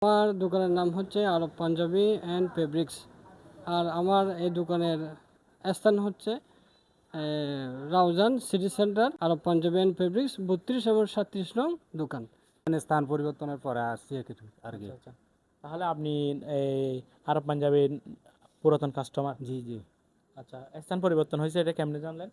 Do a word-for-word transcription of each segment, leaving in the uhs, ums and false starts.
আমার দোকানের নাম হচ্ছে আরব পাঞ্জাবি অ্যান্ড ফেব্রিক্স। আর আমার এই দোকানের স্থান হচ্ছে এ, Raozan city centre, Arab Panjabi and fabrics, বত্রিশ এবং সাতত্রিশ নং দোকান। মানে স্থান পরিবর্তনের পরে আসছি আর কি আর কি আচ্ছা আচ্ছা তাহলে আপনি এই আরব পাঞ্জাবির পুরাতন কাস্টমার। জি জি আচ্ছা, স্থান পরিবর্তন হয়েছে, এটা কেমনে জানলেন?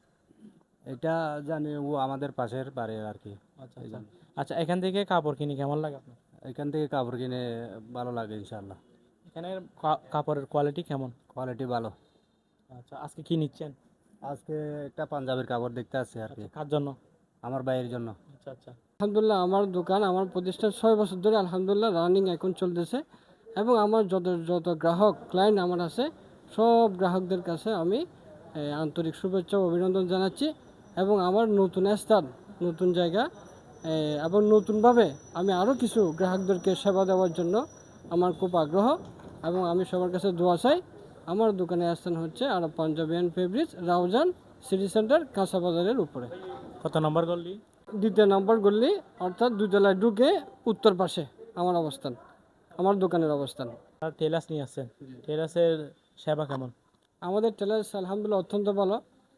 এটা জানি ও আমাদের পাশের বাড়ি আর কি। আচ্ছা এই আচ্ছা জন্য আচ্ছা এখান থেকে কাপড় কিনে কেমন লাগে আপনার? এখান থেকে কাপড় কিনে ভালো লাগে ইনশাল্লাহ। এখানে কা- কাপড়ের কোয়ালিটি কেমন? কোয়ালিটি ভালো। আচ্ছা, আজকে কি নিচ্ছেন? আজকে একটা পাঞ্জাবির কাপড় দেখতে আসছি আর কি, আচ্ছা, কার জন্য? আমার ভাইয়ের জন্য। আচ্ছা আচ্ছা আলহামদুলিল্লাহ আমার দোকান, আমার প্রতিষ্ঠান ছয় বছর ধরে আলহামদুলিল্লাহ রানিং এখন চলতেছে। এবং আমার যত যত গ্রাহক ক্লায়েন্ট আমার আছে, সব গ্রাহকদের কাছে আমি এ, আন্তরিক শুভেচ্ছা ও অভিনন্দন জানাচ্ছি। এবং আমার নতুন স্থান, নতুন জায়গা এ, এবং নতুনভাবে আমি আরও কিছু গ্রাহকদেরকে সেবা দেওয়ার জন্য আমার খুব আগ্রহ। এবং আমি সবার কাছে দোয়া চাই। আমার দোকানের স্থান হচ্ছে Arab Panjabi and fabrics, Raozan city centre, কাঁচা বাজারের উপরে, কত নম্বর গল্লি? দ্বিতীয় নম্বর গল্লি, অর্থাৎ দুতলায় ঢুকে উত্তর পাশে আমার অবস্থান, আমার দোকানের অবস্থান। আর টেলার্স নিয়ে আসছেন, টেলার্সের সেবা কেমন? আমাদের টেলার্স আলহামদুলিল্লাহ অত্যন্ত ভালো।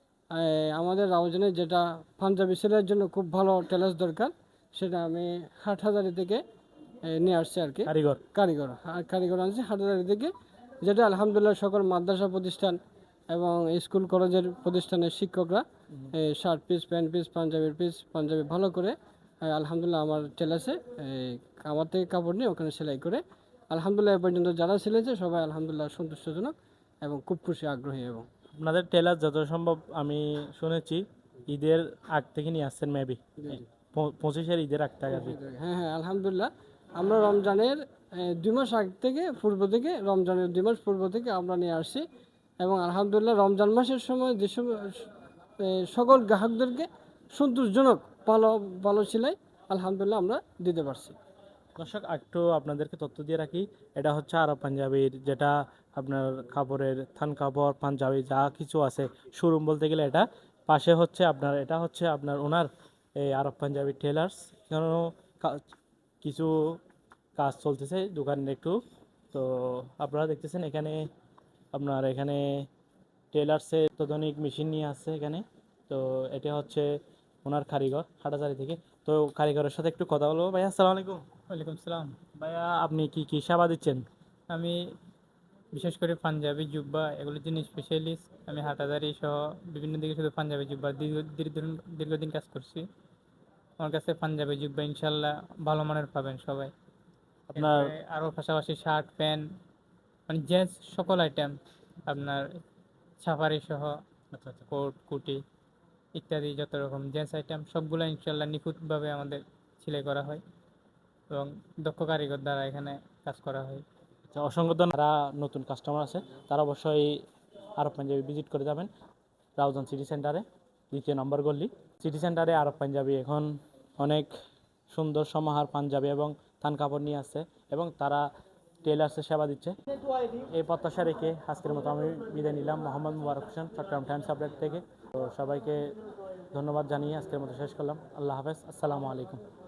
এই আমাদের রাউজানে যেটা পাঞ্জাবি সেলের জন্য খুব ভালো টেলার্স দরকার, সেটা আমি হাটহাজারি থেকে এ, নিয়ে আসছি আর কি। কারিগর? কারিগর, হ্যাঁ, কারিগর আনছি হাটহাজারি থেকে, যেটা আলহামদুলিল্লাহ সকল মাদ্রাসা প্রতিষ্ঠান এবং স্কুল কলেজের প্রতিষ্ঠানের শিক্ষকরা এই শার্ট পিস, প্যান্ট পিস, পাঞ্জাবির পিস, পাঞ্জাবি ভালো করে এ, আলহামদুলিল্লাহ আমার টেলার্সে আমার থেকে কাপড় নিয়ে ওখানে সেলাই করে আলহামদুলিল্লাহ এ পর্যন্ত যারা সিলেছে সবাই আলহামদুলিল্লাহ সন্তুষ্টজনক এবং খুব খুশি, আগ্রহী। এবং আপনাদের টেলার যত সম্ভব আমি শুনেছি ঈদের আগ থেকে নিয়ে আসছেন মেবি, পঁচিশের ঈদের আগ থেকে আর কি। হ্যাঁ হ্যাঁ আলহামদুলিল্লাহ আমরা রমজানের এ, দুই মাস আগ থেকে, পূর্ব থেকে, রমজানের দুই মাস পূর্ব থেকে আমরা নিয়ে আসছি। এবং আলহামদুলিল্লাহ রমজান মাসের সময় যে সব এ, সকল গ্রাহকদেরকে সন্তোষজনক ভালো ভালো সেলাই আলহামদুলিল্লাহ আমরা দিতে পারছি। দর্শক, একটু আপনাদেরকে তথ্য দিয়ে রাখি, এটা হচ্ছে আরব পাঞ্জাবির, যেটা আপনার কাপড়ের থান কাপড় পাঞ্জাবি যা কিছু আছে শোরুম বলতে গেলে এটা। পাশে হচ্ছে আপনার, এটা হচ্ছে আপনার ওনার এই আরব পাঞ্জাবি টেলার্স। কেন কিছু কাজ চলতেছে দোকানের একটু, তো আপনারা দেখতেছেন এখানে আপনার এখানে টেলার্সের অত্যাধুনিক মেশিন নিয়ে আসছে এখানে। তো এটা হচ্ছে ওনার কারিগর হাটাজারি থেকে। তো কারিগরের সাথে একটু কথা বলবো। ভাইয়া আসসালামু আলাইকুম। ওয়ালাইকুম সালাম। ভাইয়া আপনি কি কি সেবা দিচ্ছেন? আমি বিশেষ করে পাঞ্জাবি জুব্বা এগুলোর জন্য স্পেশালিস্ট। আমি হাটাদারি সহ বিভিন্ন দিকে শুধু পাঞ্জাবি জুব্বা দীর্ঘ দীর্ঘদিন দীর্ঘদিন কাজ করছি। আমার কাছে পাঞ্জাবি জুব্বা ইনশাল্লাহ ভালো মানের পাবেন সবাই। আপনার এরপরে আরও পাশাপাশি শার্ট প্যান্ট, মানে জেন্টস সকল আইটেম, আপনার সাফারি সহ আচ্ছা আচ্ছা কোট কুটি ইত্যাদি যত রকম জেন্টস আইটেম সবগুলো ইনশাল্লাহ নিখুঁতভাবে আমাদের সেলাই করা হয় এবং দক্ষ কারিগর দ্বারা এখানে কাজ করা হয়। আচ্ছা, অসংখ্য ধন্যবাদ। যারা নতুন কাস্টমার আছে তারা অবশ্যই আরব পাঞ্জাবি ভিজিট করে যাবেন রাউজান সিটি সেন্টারে, দ্বিতীয় নম্বর গল্লি। সিটি সেন্টারে আরব পাঞ্জাবি এখন অনেক সুন্দর সমাহার পাঞ্জাবি এবং থান কাপড় নিয়ে আসছে এবং তারা টেলার্সের সেবা দিচ্ছে। এই প্রত্যাশা রেখে আজকের মতো আমি বিদায় নিলাম। মোহাম্মদ মুবারক হোসেন, চট্টগ্রাম টাইমস আপডেট থেকে। তো সবাইকে ধন্যবাদ জানিয়ে আজকের মতো শেষ করলাম। আল্লাহ হাফেজ, আসসালামু আলাইকুম।